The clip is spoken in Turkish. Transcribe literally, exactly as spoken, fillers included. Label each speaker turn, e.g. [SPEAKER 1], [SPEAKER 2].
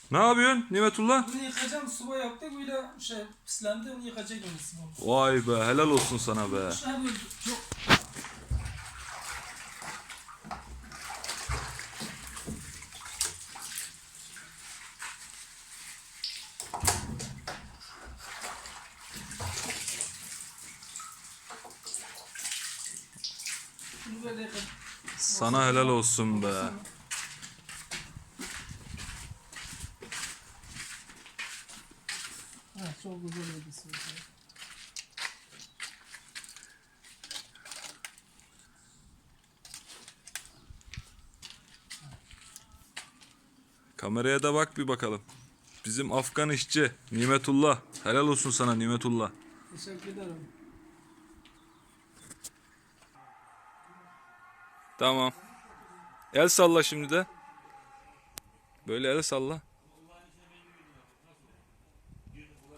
[SPEAKER 1] Ne yapıyorsun Nimetullah?
[SPEAKER 2] Bunu yıkayacağım, sıvı yaptık, böyle şey pislendi, onu yıkayacak yani sıvı.
[SPEAKER 1] Vay be, helal olsun sana be.
[SPEAKER 2] Şey böyle çok... Bunu böyle yıkayacağım.
[SPEAKER 1] Sana helal olsun be.
[SPEAKER 2] Ha, çok güzel oldu sıvı.
[SPEAKER 1] Kameraya da bak bir bakalım. Bizim Afgan işçi Nimetullah. Helal olsun sana Nimetullah.
[SPEAKER 2] Teşekkür ederim.
[SPEAKER 1] Tamam. El salla şimdi de. Böyle el salla.